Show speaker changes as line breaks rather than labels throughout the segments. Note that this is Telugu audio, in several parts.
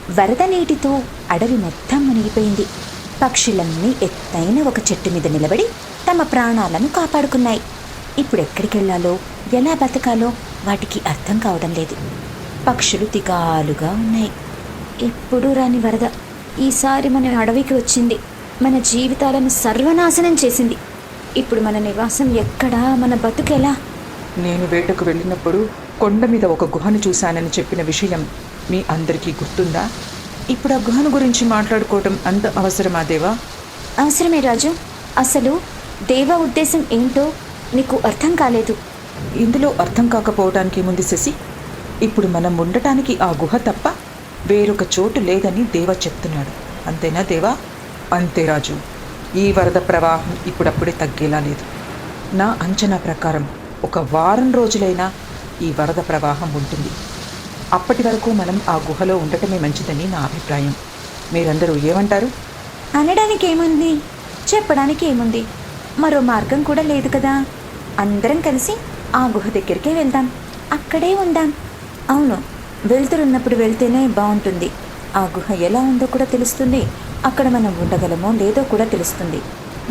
వరద నీటితో అడవి మొత్తం మునిగిపోయింది. పక్షులన్నీ ఎత్తైన ఒక చెట్టు మీద నిలబడి తమ ప్రాణాలను కాపాడుకున్నాయి. ఇప్పుడెక్కడికెళ్లాలో, ఎలా బతకాలో వాటికి అర్థం కావడం లేదు. పక్షులు దిగాలుగా ఉన్నాయి. ఎప్పుడూ రాని వరద ఈసారి మన అడవికి వచ్చింది. మన జీవితాలను సర్వనాశనం చేసింది. ఇప్పుడు మన నివాసం ఎక్కడా, మన బతుకెలా?
నేను వేటకు వెళ్ళినప్పుడు కొండ మీద ఒక గుహను చూశానని చెప్పిన విషయం మీ అందరికీ గుర్తుందా? ఇప్పుడు ఆ గుహను గురించి మాట్లాడుకోవటం అంత అవసరమా దేవా?
అవసరమే రాజు. అసలు దేవ ఉద్దేశం ఏంటో నీకు అర్థం కాలేదు.
ఇందులో అర్థం కాకపోవటానికి ముందు శశి, ఇప్పుడు మనం ఉండటానికి ఆ గుహ తప్ప వేరొక చోటు లేదని దేవ చెప్తున్నాడు. అంతేనా దేవా? అంతే రాజు. ఈ వరద ప్రవాహం ఇప్పుడప్పుడే తగ్గేలా లేదు. నా అంచనా ప్రకారం ఒక వారం రోజులైనా ఈ వరద ప్రవాహం ఉంటుంది. అప్పటి వరకు మనం ఆ గుహలో ఉండటమే మంచిదని నా అభిప్రాయం. మీరందరూ ఏమంటారు?
అనడానికి ఏముంది, చెప్పడానికి ఏముంది? మరో మార్గం కూడా లేదు కదా. అందరం కలిసి ఆ గుహ దగ్గరికే వెళ్దాం, అక్కడే ఉందాం. అవును, వెళ్తురున్నప్పుడు వెళ్తేనే బాగుంటుంది. ఆ గుహ ఎలా ఉందో కూడా తెలుస్తుంది. అక్కడ మనం ఉండగలమో లేదో కూడా తెలుస్తుంది.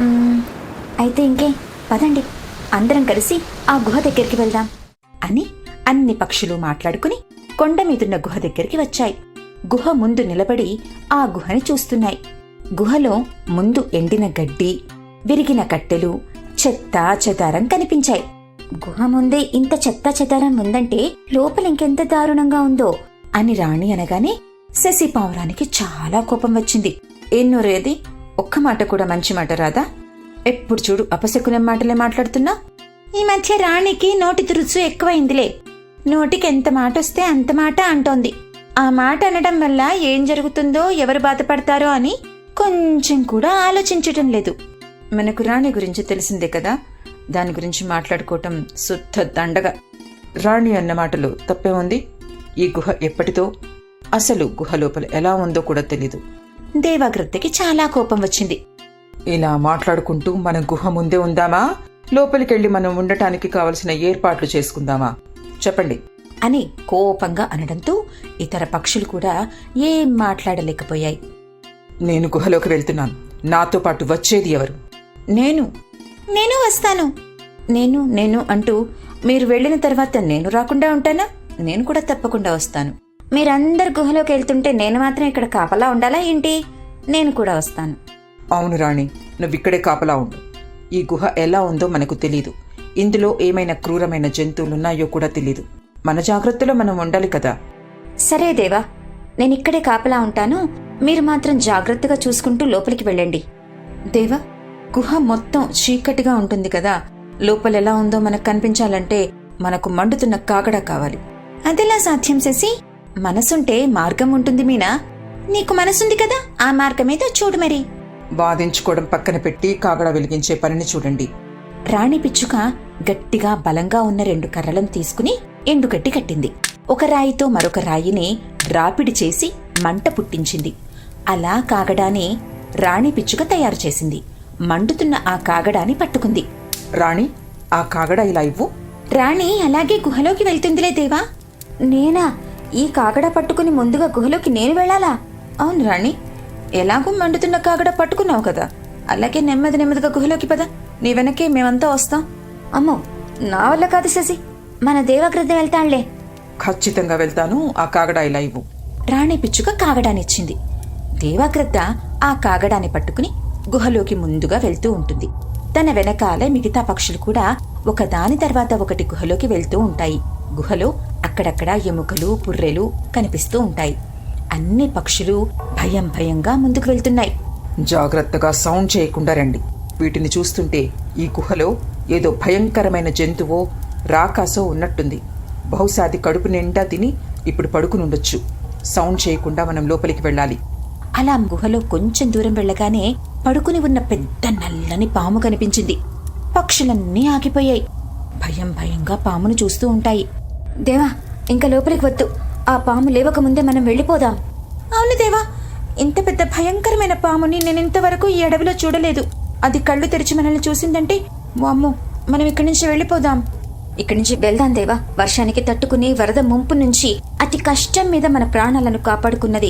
అయితే ఇంకే, పదండి, అందరం కలిసి ఆ గుహ దగ్గరికి వెళ్దాం అని అన్ని పక్షులు మాట్లాడుకుని కొండ మీదున్న గుహ దగ్గరికి వచ్చాయి. గుహ ముందు నిలబడి ఆ గుహని చూస్తున్నాయి. గుహలో ముందు ఎండిన గడ్డి, విరిగిన కట్టెలు, చెత్త చెదారం కనిపించాయి. గుహ ముందే ఇంత చెత్త చెదారం ఉందంటే లోపల ఇంకెంత దారుణంగా ఉందో అని రాణి అనగానే శశి పావురానికి చాలా కోపం వచ్చింది. ఎన్నోరేది, ఒక్క మాట కూడా మంచి మాట రాదా? ఎప్పుడు చూడు అపశకునే మాటలే మాట్లాడుతున్నా. ఈ మధ్య రాణికి నోటి తురుచు ఎక్కువైందిలే. నోటికి ఎంత మాట వస్తే అంత మాట అంటోంది. ఆ మాట అనడం వల్ల ఏం జరుగుతుందో, ఎవరు బాధపడతారో అని కొంచెం కూడా ఆలోచించటం లేదు. మనకు రాణి గురించి తెలిసిందే కదా, దాని గురించి మాట్లాడుకోవటం శుద్ధ దండగా. రాణి అన్న మాటలు తప్పే ఉంది. ఈ గుహ ఎప్పటిదో, అసలు గుహ లోపల ఎలా ఉందో కూడా తెలీదు. దేవాగ్రద్దకి చాలా కోపం వచ్చింది.
ఇలా మాట్లాడుకుంటూ మనం గుహ ముందే ఉందామా, లోపలికెళ్ళి మనం ఉండటానికి కావలసిన ఏర్పాట్లు చేసుకుందామా? చెప్పండి
అని కోపంగా అనడంతో ఇతర పక్షులు కూడా ఏం మాట్లాడలేకపోయాయి.
నేను గుహలోకి వెళ్తున్నాను. నాతో పాటు వచ్చేది ఎవరు?
నేను వస్తాను. నేను అంటూ మీరు వెళ్ళిన తర్వాత నేను రాకుండా ఉంటానా? నేను కూడా తప్పకుండా వస్తాను. మీరందరు గుహలోకి వెళ్తుంటే నేను మాత్రం ఇక్కడ కాపలా ఉండాలా ఏంటి? నేను కూడా వస్తాను.
అవును రాణి, నువ్విక్కడే కాపలా ఉండు. ఈ గుహ ఎలా ఉందో మనకు తెలీదు. ఇందులో ఏమైనా క్రూరమైన జంతువులున్నాయో కూడా తెలీదు. మన జాగ్రత్తలో మనం ఉండాలి కదా.
సరే దేవా, నేనిక్కడే కాపలా ఉంటాను. మీరు మాత్రం జాగ్రత్తగా చూసుకుంటూ లోపలికి వెళ్ళండి.
దేవా, గుహ మొత్తం చీకటిగా ఉంటుంది కదా, లోపల ఎలా ఉందో మనకు కనిపించాలంటే మనకు మండుతున్న కాగడా కావాలి.
అదెలా సాధ్యం శశి? మనసుంటే మార్గం ఉంటుంది మీనా. నీకు మనసుంది కదా, ఆ మార్గమేదో చూడు మరి.
వాదించుకోవడం పక్కన పెట్టి కాగడా వెలిగించే పనిని చూడండి.
రాణి పిచ్చుక గట్టిగా బలంగా ఉన్న 2 కర్రలను తీసుకుని ఎండుగడ్డి కట్టింది. ఒక రాయితో మరొక రాయిని రాపిడి చేసి మంట పుట్టించింది. అలా కాగడాని రాణి పిచ్చుక తయారు చేసింది. మండుతున్న ఆ కాగడాని పట్టుకుంది.
రాణి, ఆ కాగడా ఇలా ఇవ్వు.
రాణి అలాగే గుహలోకి వెళ్తుందిలే దేవా. నేనా? ఈ కాగడా పట్టుకుని ముందుగా గుహలోకి నేను వెళ్ళాలా?
అవును రాణి, ఎలాగూ మండుతున్న కాగడా పట్టుకున్నావు కదా, అలాగే నెమ్మదిగా గుహలోకి పద. నీ వెనకే మేమంతా వస్తాం.
అమ్మో, నా వల్ల కాదు శశి, మన దేవగ్రద్ద వెళ్తాళ్లే.
ఖచ్చితంగా వెళ్తాను. ఆ కాగడా ఇలా ఇవ్వు.
రాణి పిచ్చుక కాగడానిచ్చింది. దేవగ్రద్ద ఆ కాగడాన్ని పట్టుకుని గుహలోకి ముందుగా వెళ్తూ ఉంటుంది. తన వెనకాలే మిగతా పక్షులు కూడా ఒకదాని తర్వాత ఒకటి గుహలోకి వెళ్తూ ఉంటాయి. గుహలో అక్కడక్కడ ఎముకలు, పుర్రెలు కనిపిస్తూ ఉంటాయి. అన్ని పక్షులు భయంగా ముందుకు వెళ్తున్నాయి.
జాగ్రత్తగా సౌండ్ చేయకుండా రండి. వీటిని చూస్తుంటే ఈ గుహలో ఏదో భయంకరమైన జంతువో రాకాసో ఉన్నట్టుంది. బహుశా అది కడుపు నిండా తిని ఇప్పుడు పడుకునుండొచ్చు. సౌండ్ చేయకుండా మనం లోపలికి వెళ్ళాలి.
అలా గుహలో కొంచెం దూరం వెళ్ళగానే పడుకుని ఉన్న పెద్ద నల్లని పాము కనిపించింది. పక్షులన్నీ ఆగిపోయాయి. భయంగా పామును చూస్తూ ఉంటాయి. దేవా, ఇంకా లోపలికి వద్దు. ఆ పాము లేవకముందే మనం వెళ్ళిపోదాం.
అవును దేవా, ఇంత పెద్ద భయంకరమైన పాముని నేనింతవరకు ఈ అడవిలో చూడలేదు. అది కళ్ళు తెరిచి మనల్ని చూసిందంటే వామ్మో, మనం ఇక్కడి నుంచి వెళ్ళిపోదాం.
ఇక్కడి నుంచి వెళ్దాం దేవా. వర్షానికి తట్టుకుని వరద ముంపు నుంచి అతి కష్టం మీద మన ప్రాణాలను కాపాడుకున్నది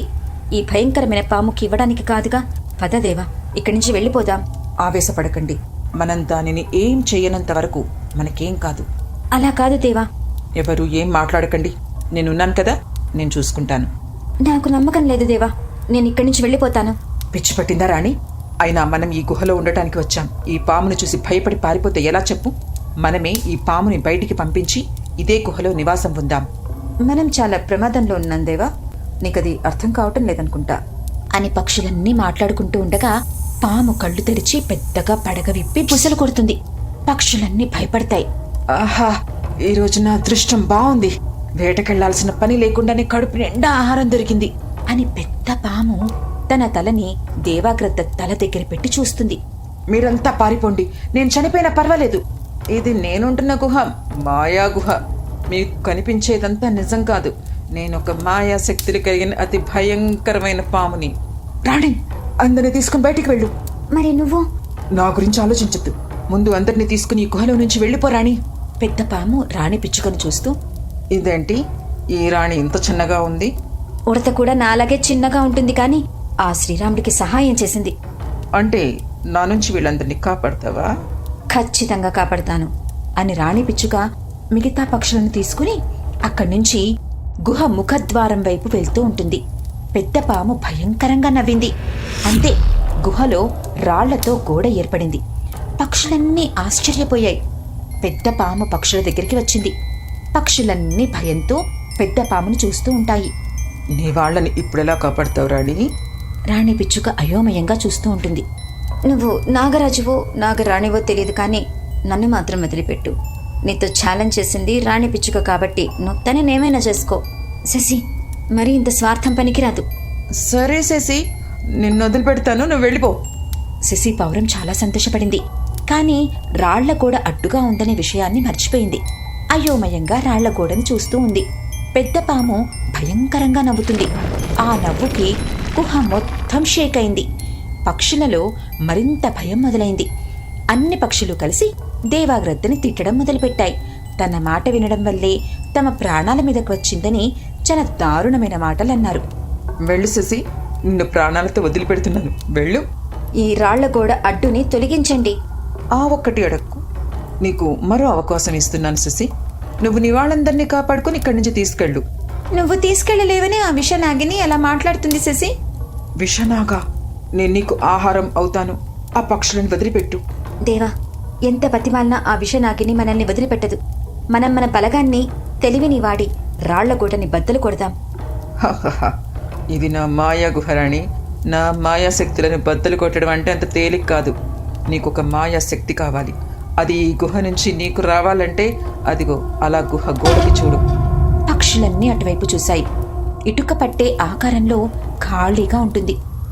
ఈ భయంకరమైన పాముకి ఇవ్వడానికి కాదుగా. పద దేవా, ఇక్కడి నుంచి వెళ్ళిపోదాం.
ఆవేశపడకండి. మనం దానిని ఏం చెయ్యనంత వరకు మనకేం కాదు.
అలా కాదు దేవా.
ఎవరు ఏం మాట్లాడకండి. నేనున్నాను కదా, నేను చూసుకుంటాను.
నాకు నమ్మకం లేదు దేవా. నేను ఇక్కడి నుంచి వెళ్ళిపోతాను.
పిచ్చి పట్టిందా రాణి? అయినా మనం ఈ గుహలో ఉండటానికి వచ్చాం. ఈ పాముని చూసి భయపడి పారిపోతే ఎలా చెప్పు? మనమే ఈ పాముని బయటికి పంపించి ఇదే గుహలో నివాసం ఉందాం.
మనం చాలా ప్రమాదంలో ఉన్నాం దేవా. నీకది అర్థం కావటం లేదనుకుంటా అని పక్షులన్నీ మాట్లాడుకుంటూ ఉండగా పాము కళ్ళు తెరిచి పెద్దగా పడగ విప్పి బుసలు కొడుతుంది. పక్షులన్నీ భయపడతాయి.
ఆహా, ఈరోజు నా అదృష్టం బాగుంది. వేటకెళ్లాల్సిన పని లేకుండానే కడుపు నిండా ఆహారం దొరికింది
అని పెద్ద పాము తన తలని దేవాగ్రద్ద తల దగ్గర పెట్టి చూస్తుంది.
మీరంతా పారిపోండి. నేను చనిపోయినా పర్వాలేదు. ఇది నేనుంటున్న గుహ మాయా గుహ. మీకు కనిపించేదంతా నిజం కాదు. నేనొక మాయా శక్తులు కలిగిన అతి భయంకరమైన పాముని. రాణి, అందరిని తీసుకుని బయటికి వెళ్ళు.
మరి నువ్వు?
నా గురించి ఆలోచించద్దు. ముందు అందరినీ తీసుకుని ఈ గుహలో నుంచి వెళ్ళిపోరాణి.
పెద్ద పాము రాణి పిచ్చుకను చూస్తూ,
ఇదేంటి ఈ రాణి ఇంత చిన్నగా ఉంది?
ఉడత కూడా నాలాగే చిన్నగా ఉంటుంది, కానీ ఆ శ్రీరాముడికి సహాయం చేసింది.
అంటే నా నుంచి వీళ్ళందరినీ కాపాడతావా?
ఖచ్చితంగా కాపాడతాను అని రాణి పిచ్చుక మిగతా పక్షులను తీసుకుని అక్కడి నుంచి గుహ ముఖద్వారం వైపు వెళ్తూ ఉంటుంది. పెద్ద పాము భయంకరంగా నవ్వింది. అంతే, గుహలో రాళ్లతో గోడ ఏర్పడింది. పక్షులన్నీ ఆశ్చర్యపోయాయి. పెద్ద పాము పక్షుల దగ్గరికి వచ్చింది. పక్షులన్నీ భయంతో పెద్ద పామును చూస్తూ ఉంటాయి.
నీ వాళ్ళని ఇప్పుడెలా కాపాడతావు రాణి?
రాణి పిచ్చుక అయోమయంగా చూస్తూ ఉంటుంది. నువ్వు నాగరాజువో నాగరాణివో తెలియదు, కానీ నన్ను మాత్రం వదిలిపెట్టు. నీతో ఛాలెంజ్ చేసింది రాణి పిచ్చుక కాబట్టి నువ్వు తనేమైనా చేసుకో. శశి, మరి ఇంత స్వార్థం పనికిరాదు.
సరే శశి, నిన్ను వదిలిపెడతాను, నువ్వు వెళ్ళిపో.
శశి పౌరం చాలా సంతోషపడింది. కానీ రాళ్ల గోడ అడ్డుగా ఉందనే విషయాన్ని మర్చిపోయింది. అయోమయంగా రాళ్ల గోడను చూస్తూ ఉంది. పెద్ద పాము భయంకరంగా నవ్వుతుంది. ఆ నవ్వుకి గుహ మొత్తం షేక్ అయింది. పక్షులలో మరింత భయం మొదలైంది. అన్ని పక్షులు కలిసి దేవాగ్రద్దని తిట్టడం మొదలుపెట్టాయి. తన మాట వినడం వల్లే తమ ప్రాణాల మీదకు వచ్చిందని చాలా దారుణమైన మాటలన్నారు.
వెళ్ళు శశి, నిన్ను ప్రాణాలతో వదిలిపెడుతున్నాను, వెళ్ళు.
ఈ రాళ్ల గోడ అడ్డుని తొలగించండి.
ఆ ఒక్కటి అడక్కు. నీకు మరో అవకాశం ఇస్తున్నాను శశి. నువ్వు నీ వాళ్ళందరినీ కాపాడుకుని ఇక్కడి నుంచి తీసుకెళ్ళు.
నువ్వు తీసుకెళ్లలేవని ఆ విషనాగిని అలా మాట్లాడుతుంది శశి.
విషనాగా? నేను నీకు ఆహారం అవుతాను. ఆ పక్షులను వదిలిపెట్టు.
దేవా, ఎంత బతిమాలినా ఆ విషనాగిని మనల్ని వదిలిపెట్టదు. మనం మన బలగాన్ని తెలివిని వాడి రాళ్ల గోడని బద్దలు కొడదాం.
హహహ, ఇది నా మాయా గుహరాణి. నా మాయా శక్తులను బద్దలు కొట్టడం అంటే అంత తేలిక కాదు. నీకొక మాయా శక్తి కావాలి. అది ఈ గుహ నుంచి నీకు రావాలంటే అదిగో అలా గుహ గోడకి చూడు.
పక్షులన్నీ అటువైపు చూశాయి. ఇటుక పట్టే ఆకారంలో ఖాళీగా ఉంటుంది.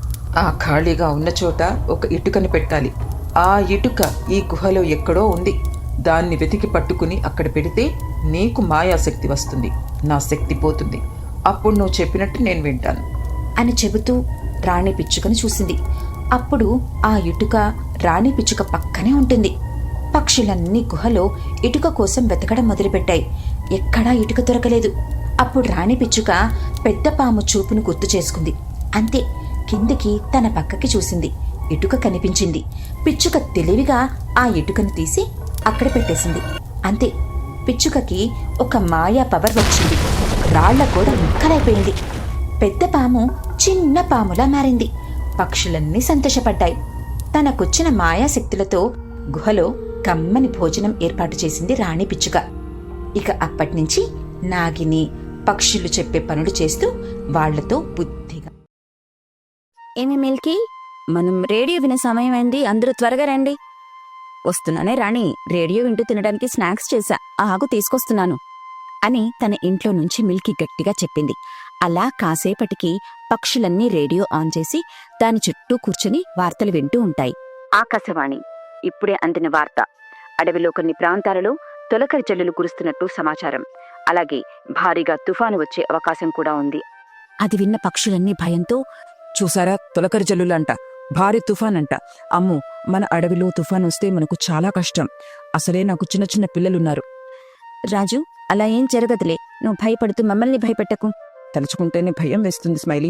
ఆ ఖాళీగా ఉన్న చోట ఒక ఇటుకని పెట్టాలి. ఆ ఇటుక ఈ గుహలో ఎక్కడో ఉంది. దాన్ని వెతికి పట్టుకుని అక్కడ పెడితే నీకు మాయాశక్తి వస్తుంది. నా శక్తి పోతుంది. అప్పుడు నువ్వు చెప్పినట్టు నేను వింటాను
అని చెబుతూ రాణి పిచ్చుకను చూసింది. అప్పుడు ఆ ఇటుక రాణి పిచ్చుక పక్కనే ఉంటుంది. పక్షులన్నీ గుహలో ఇటుక కోసం వెతకడం మొదలుపెట్టాయి. ఎక్కడా ఇటుక దొరకలేదు. అప్పుడు రాణి పిచ్చుక పెద్ద పాము చూపును గుర్తు చేసుకుంది. అంతే, కిందికి తన పక్కకి చూసింది. ఇటుక కనిపించింది. పిచ్చుక తెలివిగా ఆ ఇటుకను తీసి అక్కడ పెట్టేసింది. అంతే, పిచ్చుకకి ఒక మాయా పవర్ వచ్చింది. రాళ్ల కూడా ముక్కలైపోయింది. పెద్ద పాము చిన్న పాములా మారింది. పక్షులన్నీ సంతోషపడ్డాయి. తనకొచ్చిన మాయాశక్తులతో గుహలో కమ్మని భోజనం ఏర్పాటు చేసింది రాణి పిచ్చుక. ఇక అప్పటినుంచి నాగిని పక్షులు చెప్పే పనులు చేస్తూ వాళ్లతో బుద్ధిగా.
ఏమి మిల్కీ, మనం రేడియో వినే సమయం అయింది, అందరూ త్వరగా రండి. వస్తున్నానే రాణి, రేడియో వింటూ తినడానికి స్నాక్స్ చేశా, ఆగు తీసుకొస్తున్నాను అని తన ఇంట్లో నుంచి మిల్కీ గట్టిగా చెప్పింది. అలా కాసేపటికి పక్షులన్నీ రేడియో ఆన్ చేసి దాని చుట్టూ కూర్చుని వార్తలు వింటూ ఉంటాయి. ఆకాశవాణి ఇప్పుడే అందిన వార్త. అడవిలో కొన్ని ప్రాంతాలలో తొలకరి జల్లులు కురుస్తున్నట్టు సమాచారం. అలాగే భారీగా తుఫాను వచ్చే అవకాశం కూడా ఉంది. అది విన్న పక్షులన్నీ భయంతో,
చూసారా, తొలకరి జల్లులంట, భారీ తుఫాన్ అంట. అమ్మో, మన అడవిలో తుఫాన్ వస్తే మనకు చాలా కష్టం. అసలే నాకు చిన్న చిన్న పిల్లలున్నారు.
రాజు, అలా ఏం జరగదులే, నువ్వు భయపడుతూ మమ్మల్ని భయపెట్టకు.
తలుచుకుంటేనే భయం వేస్తుంది స్మైలీ.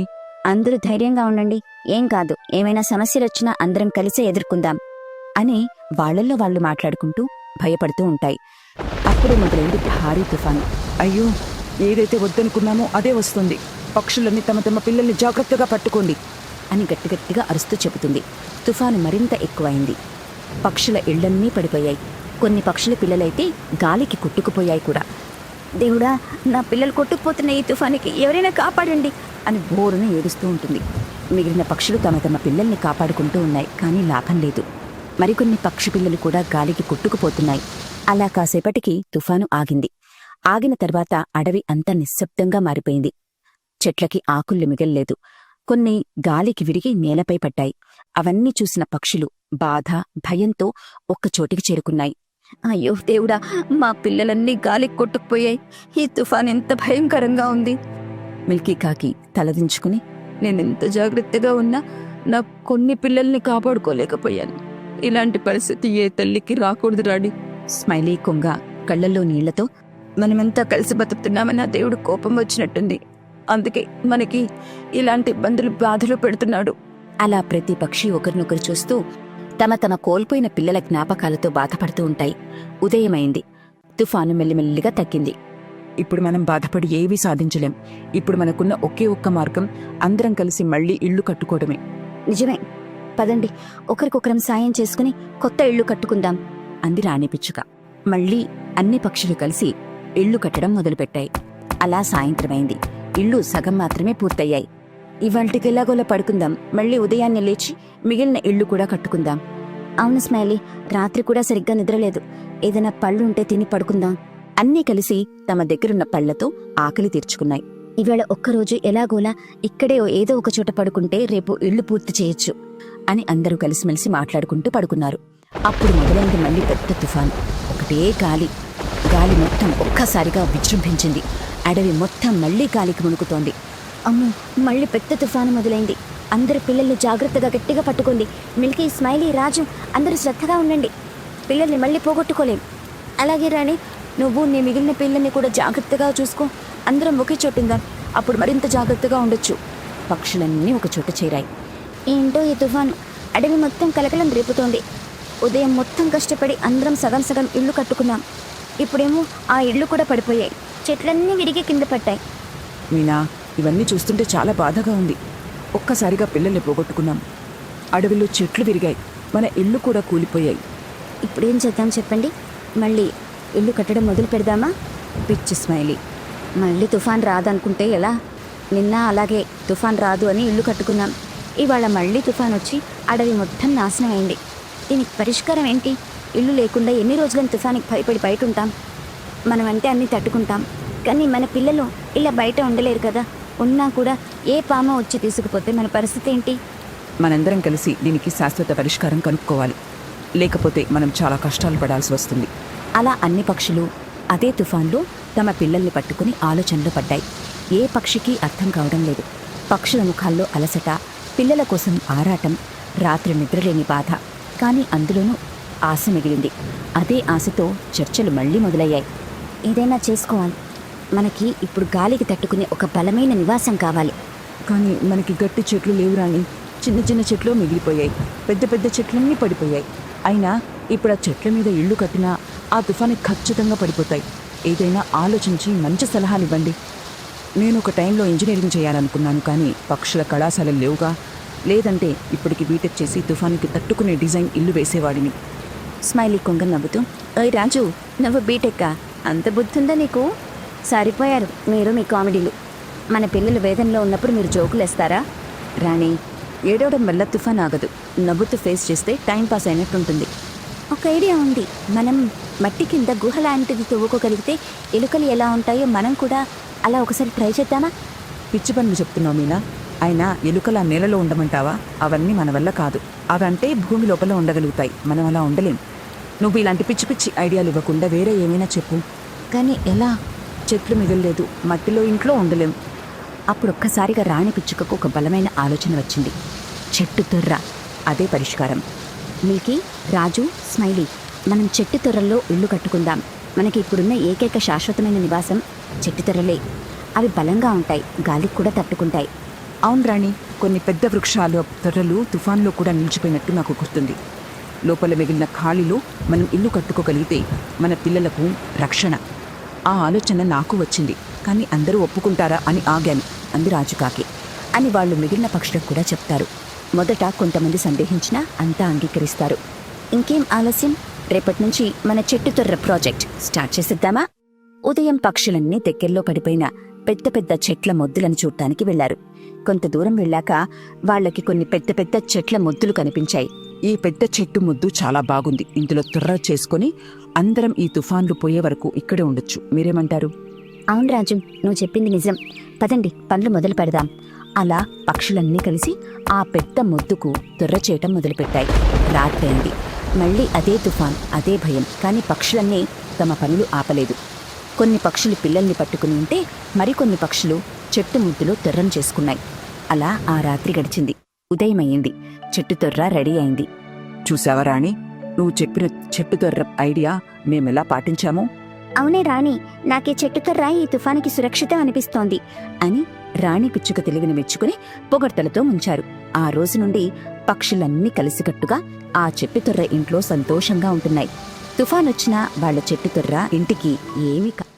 అందరూ ధైర్యంగా ఉండండి, ఏం కాదు, ఏమైనా సమస్యలు వచ్చినా అందరం కలిసే ఎదుర్కొందాం అని వాళ్ళల్లో వాళ్ళు మాట్లాడుకుంటూ భయపడుతూ ఉంటాయి. అప్పుడే మొదలైంది భారీ తుఫాను.
అయ్యో, ఏదైతే వద్దనుకున్నామో అదే వస్తుంది. పక్షులన్నీ తమ తమ పిల్లల్ని జాగ్రత్తగా పట్టుకోండి
అని గట్టిగట్టిగా అరుస్తూ చెబుతుంది. తుఫాను మరింత ఎక్కువైంది. పక్షుల ఇళ్లన్నీ పడిపోయాయి. కొన్ని పక్షుల పిల్లలైతే గాలికి కొట్టుకుపోయాయి కూడా. దేవుడా, నా పిల్లలు కొట్టుకుపోతున్న ఈ తుఫానికి ఎవరైనా కాపాడండి అని బోరున ఏడుస్తూ ఉంటుంది. మిగిలిన పక్షులు తమ తమ పిల్లల్ని కాపాడుకుంటూ ఉన్నాయి, కానీ లాభం లేదు. మరికొన్ని పక్షి పిల్లలు కూడా గాలికి కొట్టుకుపోతున్నాయి. అలా కాసేపటికి తుఫాను ఆగింది. ఆగిన తర్వాత అడవి అంతా నిశ్శబ్దంగా మారిపోయింది. చెట్లకి ఆకుళ్ళు మిగల్లేదు. కొన్ని గాలికి విరిగి నేలపై పడ్డాయి. అవన్నీ చూసిన పక్షులు బాధ, భయంతో ఒక్కచోటికి చేరుకున్నాయి. అయ్యో దేవుడా, మా పిల్లలన్నీ గాలికి కొట్టుకుపోయాయి. ఈ తుఫాన్ ఎంత భయంకరంగా ఉంది. మిల్కీ కాకి తలదించుకుని,
నేనెంత జాగ్రత్తగా ఉన్నా నా కొన్ని పిల్లల్ని కాపాడుకోలేకపోయాను. ఇలాంటి పరిస్థితి ఏ తల్లికి రాకూడదు రాణి.
స్మైలీ కొంగ కళ్ళల్లో నీళ్లతో,
మనమంతా కలిసి బతుకుతున్నామని ఆ దేవుడు కోపం వచ్చినట్టుంది. అందుకే మనకి ఇలాంటి ఇబ్బందులు, బాధలు పెడుతున్నాడు.
అలా ప్రతి పక్షి ఒకరినొకరు చూస్తూ తమ తమ కోల్పోయిన పిల్లల జ్ఞాపకాలతో బాధపడుతూ ఉంటాయి. ఉదయమైంది. తుఫాను మెల్లిమెల్లిగా తగ్గింది.
ఇప్పుడు మనం బాధపడి ఏవీ సాధించలేం. ఇప్పుడు మనకున్న ఒకే ఒక్క మార్గం అందరం కలిసి మళ్ళీ ఇళ్లు కట్టుకోవడమే.
నిజమే, పదండి, ఒకరికొకరం సాయం చేసుకుని కొత్త ఇళ్లు కట్టుకుందాం అంది రాణి పిచ్చుక. మళ్ళీ అన్ని పక్షులు కలిసి ఇళ్లు కట్టడం మొదలుపెట్టాయి. అలా సాయంత్రమైంది. ఇళ్లు సగం మాత్రమే పూర్తయ్యాయి. ఇవాళ్టికి ఎలాగోలా పడుకుందాం, మళ్ళీ ఉదయాన్నే లేచి మిగిలిన ఇళ్లు కూడా కట్టుకుందాం. అవును స్మైలీ, రాత్రి కూడా సరిగ్గా నిద్రలేదు. ఏదైనా పళ్ళుంటే తిని పడుకుందాం. అన్నీ కలిసి తమ దగ్గరున్న పళ్లతో ఆకలి తీర్చుకున్నాయి. ఇవాళ ఒక్కరోజు ఎలాగోలా ఇక్కడే ఏదో ఒక చోట పడుకుంటే రేపు ఇళ్లు పూర్తి చేయొచ్చు అని అందరూ కలిసిమెలిసి మాట్లాడుకుంటూ పడుకున్నారు. అప్పుడు మొదలైంది మళ్ళీ పెద్ద తుఫాను. ఒకటే గాలి. గాలి మొత్తం ఒక్కసారిగా విజృంభించింది. అడవి మొత్తం మళ్లీ గాలికి మునుకుతోంది. అమ్మో, మళ్ళీ పెద్ద తుఫాను మొదలైంది. అందరు పిల్లల్ని జాగ్రత్తగా గట్టిగా పట్టుకోండి. మిల్కీ, స్మైలీ, రాజు అందరూ శ్రద్ధగా ఉండండి. పిల్లల్ని మళ్ళీ పోగొట్టుకోలేం. అలాగే రాణి, నువ్వు నీ మిగిలిన పిల్లల్ని కూడా జాగ్రత్తగా చూసుకో. అందరం ఒకే చోటుందాం, అప్పుడు మరింత జాగ్రత్తగా ఉండొచ్చు. పక్షులన్నీ ఒక చోట చేరాయి. ఏంటో ఈ తుఫాను అడవి మొత్తం కలకలం రేపుతోంది. ఉదయం మొత్తం కష్టపడి అందరం సగం సగం ఇళ్ళు కట్టుకున్నాం. ఇప్పుడేమో ఆ ఇళ్ళు కూడా పడిపోయాయి. చెట్లన్నీ విరిగి కింద పట్టాయి.
మీనా, ఇవన్నీ చూస్తుంటే చాలా బాధగా ఉంది. ఒక్కసారిగా పిల్లల్ని పోగొట్టుకున్నాం. అడవిలో చెట్లు విరిగాయి, మన ఇళ్ళు కూడా కూలిపోయాయి.
ఇప్పుడేం చేద్దాం చెప్పండి? మళ్ళీ ఇల్లు కట్టడం మొదలు పెడదామా? పిచ్చి స్మైలీ, మళ్ళీ తుఫాన్ రాదనుకుంటే ఎలా? నిన్న అలాగే తుఫాన్ రాదు అని ఇల్లు కట్టుకున్నాం. ఇవాళ మళ్ళీ తుఫాన్ వచ్చి అడవి మొత్తం నాశనం అయింది. దీనికి పరిష్కారం ఏంటి? ఇల్లు లేకుండా ఎన్ని రోజులని తుఫానికి భయపడి బయట ఉంటాం? మనమంటే అన్నీ తట్టుకుంటాం, కానీ మన పిల్లలు ఇలా బయట ఉండలేరు కదా. ఉన్నా కూడా ఏ పామ వచ్చి తీసుకుపోతే మన పరిస్థితి ఏంటి?
మనందరం కలిసి దీనికి శాశ్వత పరిష్కారం కనుక్కోవాలి. లేకపోతే మనం చాలా కష్టాలు పడాల్సి వస్తుంది.
అలా అన్ని పక్షులు అదే తుఫాన్లో తమ పిల్లల్ని పట్టుకుని ఆలోచనలో పడ్డాయి. ఏ పక్షికి అర్థం కావడం లేదు. పక్షుల ముఖాల్లో అలసట, పిల్లల కోసం ఆరాటం, రాత్రి నిద్రలేని బాధ. కానీ అందులోనూ ఆశ మిగిలింది. అదే ఆశతో చర్చలు మళ్ళీ మొదలయ్యాయి. ఏదైనా చేసుకోవాలి. మనకి ఇప్పుడు గాలికి తట్టుకునే ఒక బలమైన నివాసం కావాలి.
కానీ మనకి గట్టి చెట్లు లేవు రాణి. చిన్న చిన్న చెట్లు మిగిలిపోయాయి, పెద్ద పెద్ద చెట్లన్నీ పడిపోయాయి. అయినా ఇప్పుడు ఆ చెట్ల మీద ఇళ్ళు కట్టినా ఆ తుఫాను ఖచ్చితంగా పడిపోతాయి. ఏదైనా ఆలోచించి మంచి సలహానివ్వండి. నేను ఒక టైంలో ఇంజనీరింగ్ చేయాలనుకున్నాను, కానీ పక్షుల కళాశాలలు లేవుగా. లేదంటే ఇప్పటికి బీటెక్ చేసి తుఫానుకి తట్టుకునే డిజైన్ ఇల్లు వేసేవాడిని.
స్మైలీ కొంగ నవ్వుతూ, ఓయ్ రాజు, నువ్వు బీటెక్కా? అంత బుద్ధుందా నీకు? సరిపోయారు మీరు మీ కామెడీలు. మన పిల్లలు వేదనలో ఉన్నప్పుడు మీరు జోకులేస్తారా?
రాణి, ఏడవడం వల్ల తుఫాన్ ఆగదు. నవ్వుతూ ఫేస్ చేస్తే టైంపాస్ అయినట్టుంటుంది.
ఒక ఐడియా ఉంది. మనం మట్టి కింద గుహ లాంటిది తవ్వుకోగలిగితే ఎలుకలు ఎలా ఉంటాయో మనం కూడా అలా ఒకసారి ట్రై చేద్దామా?
పిచ్చి పనులు చెప్తున్నావు మీనా. అయినా ఎలుకల నేలలో ఉండమంటావా? అవన్నీ మన వల్ల కాదు. అవంటే భూమి లోపల ఉండగలుగుతాయి, మనం అలా ఉండలేం. నువ్వు ఇలాంటి పిచ్చి పిచ్చి ఐడియాలు ఇవ్వకుండా వేరే ఏమైనా చెప్పు.
కానీ ఎలా?
చెట్లు మిగలలేదు, మట్టిలో ఇంట్లో ఉండలేం.
అప్పుడొక్కసారిగా రాణి పిచ్చుకకు ఒక బలమైన ఆలోచన వచ్చింది. చెట్టు తొర్ర, అదే పరిష్కారం. మిల్కీ, రాజు, స్మైలీ, మనం చెట్టు తొర్రల్లో ఇల్లు కట్టుకుందాం. మనకి ఇప్పుడున్న ఏకైక శాశ్వతమైన నివాసం చెట్టు తొర్రలే. అవి బలంగా ఉంటాయి, గాలికి కూడా తట్టుకుంటాయి.
అవును రాణి, కొన్ని పెద్ద వృక్షాలు తొర్రలు తుఫాన్లో కూడా నిలిచిపోయినట్టు నాకు గుర్తుంది. లోపల మిగిలిన ఖాళీలో మనం ఇల్లు కట్టుకోగలిగితే మన పిల్లలకు రక్షణ. ఆ ఆలోచన నాకు వచ్చింది, కానీ అందరూ ఒప్పుకుంటారా అని ఆగాను అంది రాజుకాకి.
అని వాళ్ళు మిగిలిన పక్షులకు కూడా చెప్తారు. మొదట కొంతమంది సందేహించినా అంతా అంగీకరిస్తారు. ఇంకేం ఆలస్యం, రేపటి నుంచి మన చెట్టు తొర్ర ప్రాజెక్ట్ స్టార్ట్ చేసేద్దామా? ఉదయం పక్షులన్నీ దగ్గరలో పడిపోయిన పెద్ద పెద్ద చెట్ల మొద్దులను చూడటానికి వెళ్లారు. కొంత దూరం వెళ్ళాక వాళ్ళకి కొన్ని పెద్ద పెద్ద చెట్ల మొద్దులు కనిపించాయి.
ఈ పెద్ద చెట్టు ముద్దు చాలా బాగుంది. ఇందులో తొర్ర చేసుకొని అందరం ఈ తుఫాన్లు పోయే వరకు ఇక్కడే ఉండొచ్చు. మీరేమంటారు?
అవును రాజు, నువ్వు చెప్పింది నిజం. పదండి, పనులు మొదలు పెడదాం. అలా పక్షులన్నీ కలిసి ఆ పెద్ద మొద్దుకు తొర్ర చేయటం మొదలుపెట్టాయి. రాత్రైంది. మళ్ళీ అదే తుఫాన్, అదే భయం. కానీ పక్షులన్నీ తమ పనులు ఆపలేదు. కొన్ని పక్షులు పిల్లల్ని పట్టుకుని ఉంటే మరికొన్ని పక్షులు చెట్టు ముద్దులో తొర్రం చేసుకున్నాయి. అలా ఆ రాత్రి గడిచింది. ఉదయమయ్యింది. చెట్టు తొర్ర రెడీ అయింది.
చూసావా రాణి, నువ్వు చెప్పిన చెట్టు తొర్ర ఐడియా మేమెలా పాటించామో?
అవునే రాణి, నాకే చెట్టు తొర్ర ఈ తుఫానికి సురక్షితం అనిపిస్తోంది అని రాణి పిచ్చుక తెలివిని మెచ్చుకుని పొగడ్తలతో ముంచారు. ఆ రోజు నుండి పక్షులన్నీ కలిసికట్టుగా ఆ చెట్టు తొర్ర ఇంట్లో సంతోషంగా ఉంటున్నాయి. తుఫానొచ్చినా వాళ్ల చెట్టు తొర్ర ఇంటికి ఏమీ